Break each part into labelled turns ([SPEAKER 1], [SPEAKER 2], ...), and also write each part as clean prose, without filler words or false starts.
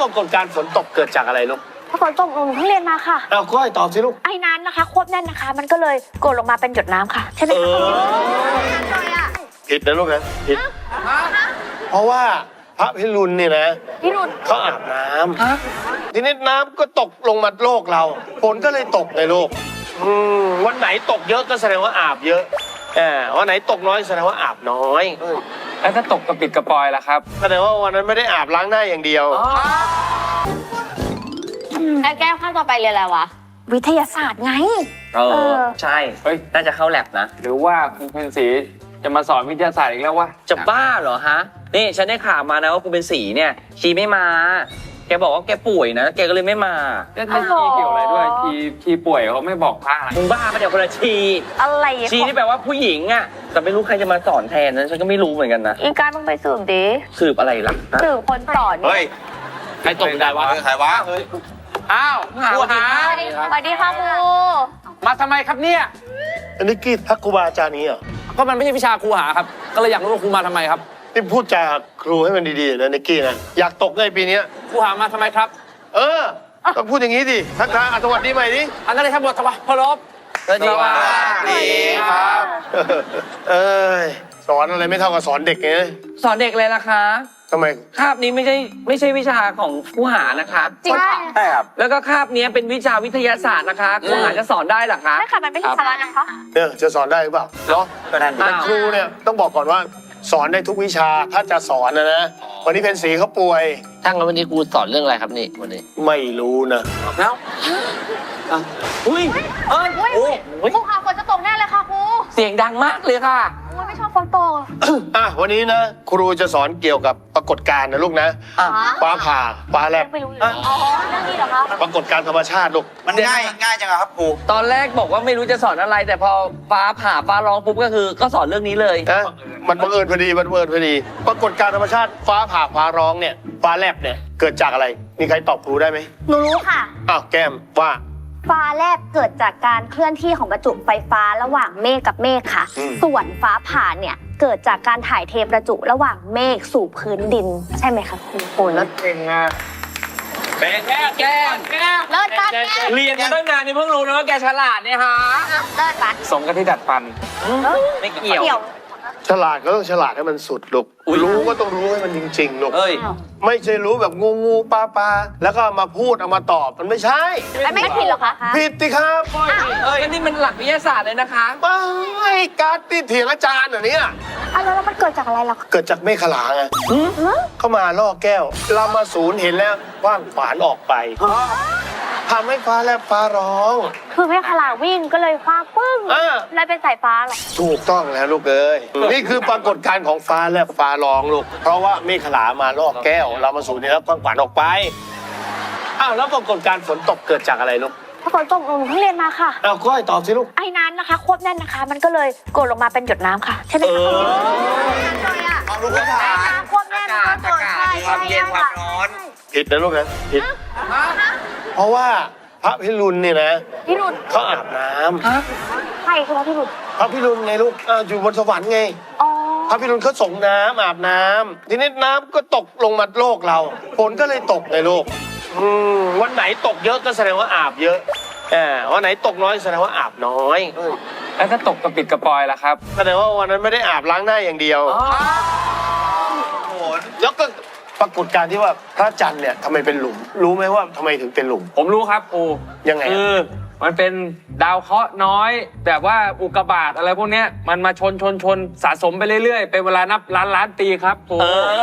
[SPEAKER 1] ปรากฏการณ์ฝนตกเกิดจากอะไรลูก
[SPEAKER 2] ฝนตกหนูเพิ่งเรียนมาค่ะ
[SPEAKER 1] เอาก้อยตอบสิลูก
[SPEAKER 2] ไอ้นั้นนะคะควบแน่นนะคะ มันก็เลยกดลงมาเป็นหยดน้ำค่ะใช่ไหมคะ
[SPEAKER 1] ผิดนะลูกนะผิดเพราะว่าพระพิรุณเนี่ยนะเขาอาบน้ำทีนี้น้ำก็ตกลงมาโลกเราฝนก็เลยตกในโลกวันไหนตกเยอะก็แสดงว่าอาบเยอะวันไหนตกน้อยแสดงว่าอาบน้อย
[SPEAKER 3] แล้วถ้าตกกระปิดกระปอยล่ะครับ
[SPEAKER 1] แสดงว่าวันนั้นไม่ได้อาบล้างหน้าอย่างเดียว
[SPEAKER 2] แก้วข้าวต่อไปเรียนอะไรวะวิทยาศาสตร์ไง
[SPEAKER 4] ใช่น่าจะเข้าแลบนะ
[SPEAKER 3] หรือว่าคุณเพนสีจะมาสอนวิทยาศาสตร์อีกแล้ววะ
[SPEAKER 4] จะบ้าเหรอฮะนี่ฉันได้ข่าวมานะว่าคุณเป็นสีเนี่ยชีไม่มาแกบอกว่าแกป่วยนะแกก็เลยไม่มา
[SPEAKER 3] แล้วชีเกี่ยวอะไรด้วยชีป่วยเขาไม่บอกพระ
[SPEAKER 4] มึงบ้าปะเดี๋ยวคนละชี
[SPEAKER 2] อะไร
[SPEAKER 4] ชีนี่แปลว่าผู้หญิงอ่ะแต่ไม่รู้ใครจะมาสอนแทนนั้นฉันก็ไม่รู้เหมือนกันนะ
[SPEAKER 2] อีการต้องไปสืบดิ
[SPEAKER 4] สืบอะไรล่ะ
[SPEAKER 2] สืบคนสอน
[SPEAKER 1] เฮ้ยใครตกได้วะใครวะ
[SPEAKER 3] อ้าวครูหา
[SPEAKER 2] สวัสดีค่ะครู
[SPEAKER 3] มาทำไมครับเนี่ย
[SPEAKER 1] อันนี้กี้ทักครูบาอาจารย์นี้เหรอ
[SPEAKER 3] ก็มันไม่ใช่วิชาครูหาครับก็เลยอยากรู้ว่าครูมาทำไมครับ
[SPEAKER 1] นี่พูดจาครูให้มันดีๆนะนิกกี้นะอยากตกในปีนี้
[SPEAKER 3] ครูหามาทำไมครับ
[SPEAKER 1] ต้องพูดอย่างนี้ดิทักทายสวัสดีใหม่ดิ
[SPEAKER 3] อันนั้นเลยครับบทพลบ
[SPEAKER 4] สวัสดี
[SPEAKER 3] ครับ
[SPEAKER 1] สอนอะไรไม่เท่ากับสอนเด็กไง
[SPEAKER 4] สอนเด็กเลยล่ะคะ
[SPEAKER 1] ทำไม
[SPEAKER 4] คาบนี้ไม่ใช่วิชาของครูหานะคะ
[SPEAKER 2] จริง
[SPEAKER 3] ใช่ครับ
[SPEAKER 4] แล้วก็คาบนี้เป็นวิชาวิทยาศาสตร์นะคะครูหาจะสอนได้หรอคะ
[SPEAKER 2] ใช่ค่ะมันไม่ใช่สาระนะคะ
[SPEAKER 1] จะสอนได้หรือเปล่าเนาะแต่ครูเนี่ยต้องบอกก่อนว่าสอนได้ทุกวิชาถ้าจะสอนนะวันนี้เพนสีเขาป่วย
[SPEAKER 4] ทั้งวันนี้ครูสอนเรื่องอะไรครับนี่วันนี้
[SPEAKER 1] ไม่รู้นะ
[SPEAKER 4] แล้วอุ้ย
[SPEAKER 2] ครูค่ะฝนจะตกแน่เลยค่ะครู
[SPEAKER 4] เสียงดังมากเลยค่ะ
[SPEAKER 2] ไม่ชอบฝนตก
[SPEAKER 1] วันนี้นะครูจะสอนเกี่ยวกับปรากฏการณ์นะลูกนะฟ้าผ่าฟ้าแลบ
[SPEAKER 2] ไม่รู้เลยอ๋อเรื่องนี้เหรอคะ
[SPEAKER 1] ปรากฏการณ์ธรรมชาติลูก
[SPEAKER 4] มันง่ายจังครับครูตอนแรกบอกว่าไม่รู้จะสอนอะไรแต่พอฟ้าผ่าฟ้าร้องปุ๊บก็สอนเรื่องนี้เลย
[SPEAKER 1] มันบังเอิญพอดีปรากฏการณ์ธรรมชาติฟ้าผ่าฟ้าร้องเนี่ยฟ้าแลบเนี่ยเกิดจากอะไรมีใครตอบครูได้ไหม
[SPEAKER 2] หนูรู้ค่ะ
[SPEAKER 1] แก้มว่า
[SPEAKER 2] ฟ้าแลบเกิดจากการเคลื่อนที่ของประจุไฟฟ้าระหว่างเมฆกับเมฆค่ะส่วนฟ้าผ่าเนี่ยเกิดจากการถ่ายเทประจุระหว่างเมฆสู่พื้นดินใช่ไหมคะครู
[SPEAKER 1] โอ้นัดเก่งอ่ะ
[SPEAKER 4] เป็นแก้
[SPEAKER 2] เลิศปัด
[SPEAKER 4] เรียนมาตั้งนานนี่เพิ่งรู้นะว่าแกฉลาดเนี่ยฮะ
[SPEAKER 2] เลิศปัด
[SPEAKER 3] สมกับที่ดัดฟัน
[SPEAKER 4] ไม่เกี่ยว
[SPEAKER 1] ฉลาดก็ต้องฉลาดให้มันสุดลูกรู้ก็ต้องรู้ให้มันจริงๆลูกไม่ใช่รู้แบบงูปลาแล้วก็มาพูดเอามาตอบมันไม่ใช่
[SPEAKER 2] ไม่ผิดหรอคะ
[SPEAKER 1] ผิดสิครับ
[SPEAKER 4] นี่มันหลักวิทยาศาสตร์เลยนะคะ
[SPEAKER 1] ไม่การที่เถียงอาจารย์เนี่ย
[SPEAKER 2] แล้วมันเกิดจากอะไรล่ะ
[SPEAKER 1] เกิดจากเมฆขลาไงเข้ามาล่อแก้วเรามาศูนย์เห็นแล้วว่างฝานออกไปทำให้ฟ้าแลบฟ้าร้อง
[SPEAKER 2] คือเมฆขลาวิ่งก็เลยฟ้าปึ้งเลยเป็นสายฟ้าหรอ
[SPEAKER 1] ถูกต้องแล้วลูกเอ้ยนี่คือปรากฏการณ์ของฟ้าแลบฟ้าร้องลูกเพราะว่าเมฆขลามาล่อแก้วเรามาศูนย์เห็นแล้วว่างฝานออกไปแล้วปรากฏการณ์ฝนตกเกิดจากอะไรลูก
[SPEAKER 2] ฝนตกหนูเพิ่งเรียนมาค่ะ
[SPEAKER 1] ก้อยตอบสิลูก
[SPEAKER 2] ไอ้นั้นนะคะควบแน่นนะคะ มันก็เลยกดลงมาเป็นหยดน้ำค่ะใช่ไหมคะ
[SPEAKER 1] ความรู้พื้นฐาน
[SPEAKER 2] ควบแน่นก็เกิด
[SPEAKER 4] ความเย็นความร้อน
[SPEAKER 1] ผิดนะลูกนะผิดเพราะว่าพระพิรุณเนี่ยนะเขาอาบน้
[SPEAKER 2] ำใครคือพระพิรุณ
[SPEAKER 1] พระพิรุณไงลูกอยู่บนสวรรค์ไงพระพิรุณเขาส่งน้ำอาบน้ำทีนี้น้ำก็ตกลงมาโลกเราฝนก็เลยตกในโลกวันไหนตกเยอะก็แสดงว่าอาบเยอะวันไหนตกน้อยแสดงว่าอาบน้อย
[SPEAKER 3] แล้วถ้าตกกระปิดกระปอยล่ะครับ
[SPEAKER 1] แสดงว่าวันนั้นไม่ได้อาบล้างหน้าอย่างเดียวแล้วก็ปรากฏการณ์ที่ว่าพระจันทร์เนี่ยทำไมเป็นหลุมรู้ไหมว่าทำไมถึงเป็นหลุม
[SPEAKER 3] ผมรู้ครับครู
[SPEAKER 1] ยังไง
[SPEAKER 3] มันเป็นดาวเคราะห์น้อยแบบว่าอุกกาบาตอะไรพวกนี้มันมาชนสะสมไปเรื่อยๆเป็นเวลานับล้านปีครับครู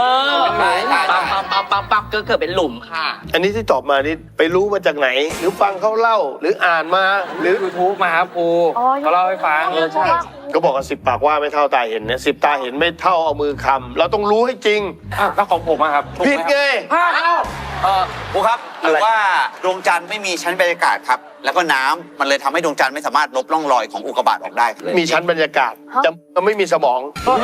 [SPEAKER 4] ปักก็เกิดเป็นหลุมค่ะ
[SPEAKER 1] อันนี้ที่ตอบมานี่ไปรู้มาจากไหนหรือฟังเขาเล่าหรืออ่านมาหรือ
[SPEAKER 3] YouTube มาครับครูเขาเล่าให้ฟัง
[SPEAKER 4] ใช่
[SPEAKER 1] ก็บอกว่า10 ปากว่าไม่เท่าตาเห็นเนี่ย10 ตาเห็นไม่เท่าเอามือคำเราต้องรู้ให้จริง
[SPEAKER 3] แล้วของผมครับ
[SPEAKER 1] ผิดไง
[SPEAKER 5] ครูครับหรือว่าดวงจันทร์ไม่มีชั้นบรรยากาศครับแล้วก็น้ำมันเลยทำให้ดวงจันทร์ไม่สามารถลบร่องรอยของอุกกาบาตออกได้
[SPEAKER 1] มีชั้นบรรยากาศจะไม่มีสมอง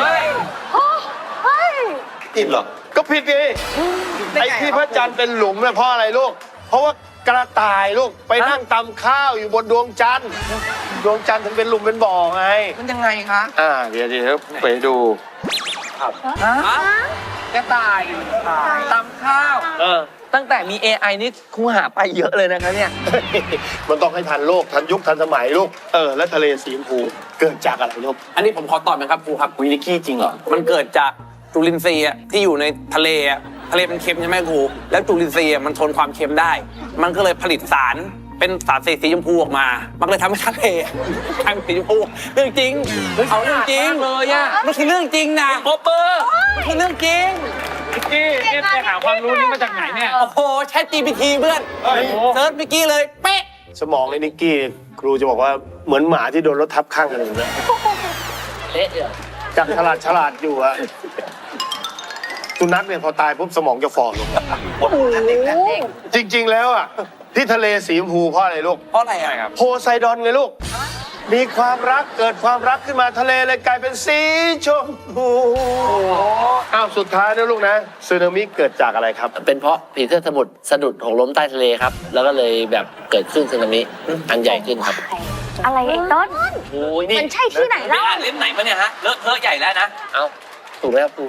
[SPEAKER 1] ผิดเหรอก็ผิดไงไอ้ที่พระจันทร์เป็นหลุมเนี่ยเพราะอะไรลูกเพราะว่ากระต่ายลูกไปนั่งตำข้าวอยู่บนดวงจันทร์ดวงจันทร์ถึงเป็นหลุมเป็นบ่อไง
[SPEAKER 4] มันยังไงคะ
[SPEAKER 1] เดี๋ยวไปดู
[SPEAKER 4] กระต่ายตำข้าวตั้งแต่มี AI นี่ครูหาไปเยอะเลยนะครับเนี่ย
[SPEAKER 1] มันต้องให้ทันโลกทันยุคทันสมัยลูกแล้วทะเลสีชมพูเกิดจากอะไรลูก
[SPEAKER 6] อันนี้ผมขอตอบนะครับครูครับวินิกี้จริงเหรอ มันเกิดจากจุลินทรีย์อะที่อยู่ในทะเลอะทะเลมันเค็มใช่ไหมครู แล้วจุลินทรีย์อะมันทนความเค็มได้ มันก็เลยผลิตสารเป็นสารสีชมพูออกมา มันก็เลยทำให้ทะเลกลายเป็นสีชมพูเรื่องจริงเอาเรื่องจริง
[SPEAKER 4] เลยอะ
[SPEAKER 6] มันคือเรื่องจริงนะโอเปอร์มันคือเรื่องจริง
[SPEAKER 3] นิกกี้เนี่ยไปหาความรู้นี่มาจากไหนเนี่ย
[SPEAKER 6] โอ้โหแชท GPT เพื่อน
[SPEAKER 3] โอ้โห
[SPEAKER 6] เซิร์ชเมื่อกี้เลยเป๊ะ
[SPEAKER 1] สมองไอ้นิกกี้ครูจะบอกว่าเหมือนหมาที่โดนรถทับข้างกันเลยนะ
[SPEAKER 4] เละเลย
[SPEAKER 1] จากฉลาดอยู่อะสุนัขเนี่ยพอตายปุ๊บสมองจะฝ่อลงจริง ๆ แล้วอะที่ทะเลสีชมพูเพราะอะไรลูก
[SPEAKER 6] เพราะอะไรอะ
[SPEAKER 1] โพไซดอนไงลูก มีความรักเกิดความรักขึ้นมาทะเลเลยกลายเป็นสีชมพูอ้าวสุดท้ายนะลูกนะสึนามิเกิดจากอะไรครับ
[SPEAKER 7] เป็นเพราะผีเสื้อสมุทรสะดุดหกล้มใต้ทะเลครับ แล้วก็เลยแบบเกิดขึ้นสึนามิอันใหญ่ขึ้นครับ
[SPEAKER 2] อะไรไอ้ต้น
[SPEAKER 4] โอ้ยนี่
[SPEAKER 2] มันใช่ที่ไหน
[SPEAKER 4] ไม่
[SPEAKER 2] เล่า
[SPEAKER 4] อ่านเล่มไหนมาเนี่ยฮะ เลอะเทอะใหญ่แล้วนะ
[SPEAKER 7] เอ้า ถูกไหมครับครู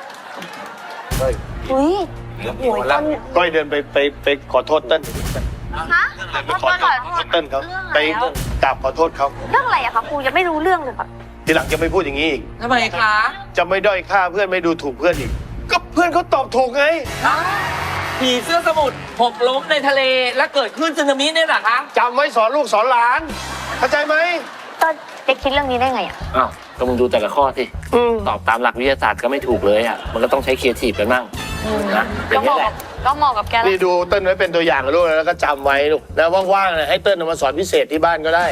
[SPEAKER 2] อุ้ยโอ้ยต้น
[SPEAKER 1] ก้อยเดินไปขอโทษเต้น
[SPEAKER 2] ฮะ
[SPEAKER 1] ไปขอโทษเต้นเขาไปกราบขอโทษเขา
[SPEAKER 2] เรื่องอะไรอะคะครูยังไม่รู้เรื่องเลยค่ะ
[SPEAKER 1] ทีหลังจะไม่พูดอย่างนี้อีก
[SPEAKER 4] ทำไมคะ
[SPEAKER 1] จะไม่ด้อยค่าเพื่อนไม่ดูถูกเพื่อนอีก ก็เพื่อนเขาตอบถูกไง
[SPEAKER 4] ผีเสื้อสมุทรหกล้มในทะเลและเกิดขึ้นสึนามิเนี่ยเหรอคะ
[SPEAKER 1] จำไว้สอนลูกสอนหลาน เข้าใจไหม
[SPEAKER 2] ต้นจะคิดเรื่องนี้ได้ไงอะ
[SPEAKER 7] อ้าว ก็มึงดูแต่ละข้อสิ
[SPEAKER 1] อืม
[SPEAKER 7] ตอบตามหลักวิทยาศาสตร์ก็ไม่ถูกเลยอ่ะ มันก็ต้องใช้ครีเอทีฟกันบ้างนะอย่างนี้แหละ
[SPEAKER 2] ก็เหมาะกับแก
[SPEAKER 1] นี่ดูเต้นไว้เป็นตัวอย่างนะลูกนะแล้วก็จำไว้ลูกนะว่างๆนะให้เต้นเอามาสอนพิเศษที่บ้านก็ได้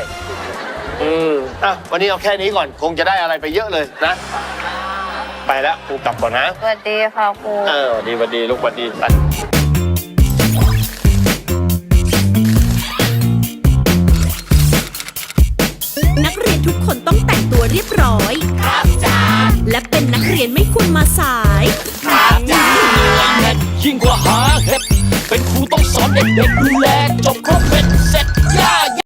[SPEAKER 1] วันนี้เอาแค่นี้ก่อนคงจะได้อะไรไปเยอะเลยนะ ไปแล้วครูกลับก่อนนะ
[SPEAKER 2] สวัสดีค่ะครู
[SPEAKER 1] สวัสดีลูกสวัสดีไป
[SPEAKER 8] นักเรียนทุกคนต้องแต่งตัวเรียบร้อย ครับจ้าและเป็นนักเรียนไม่ควรมาสาย
[SPEAKER 9] ยิ่งกว่าหาเห็ดเป็นครูต้องสอนเด็กๆดูแลจบครบเป็นเสร็จ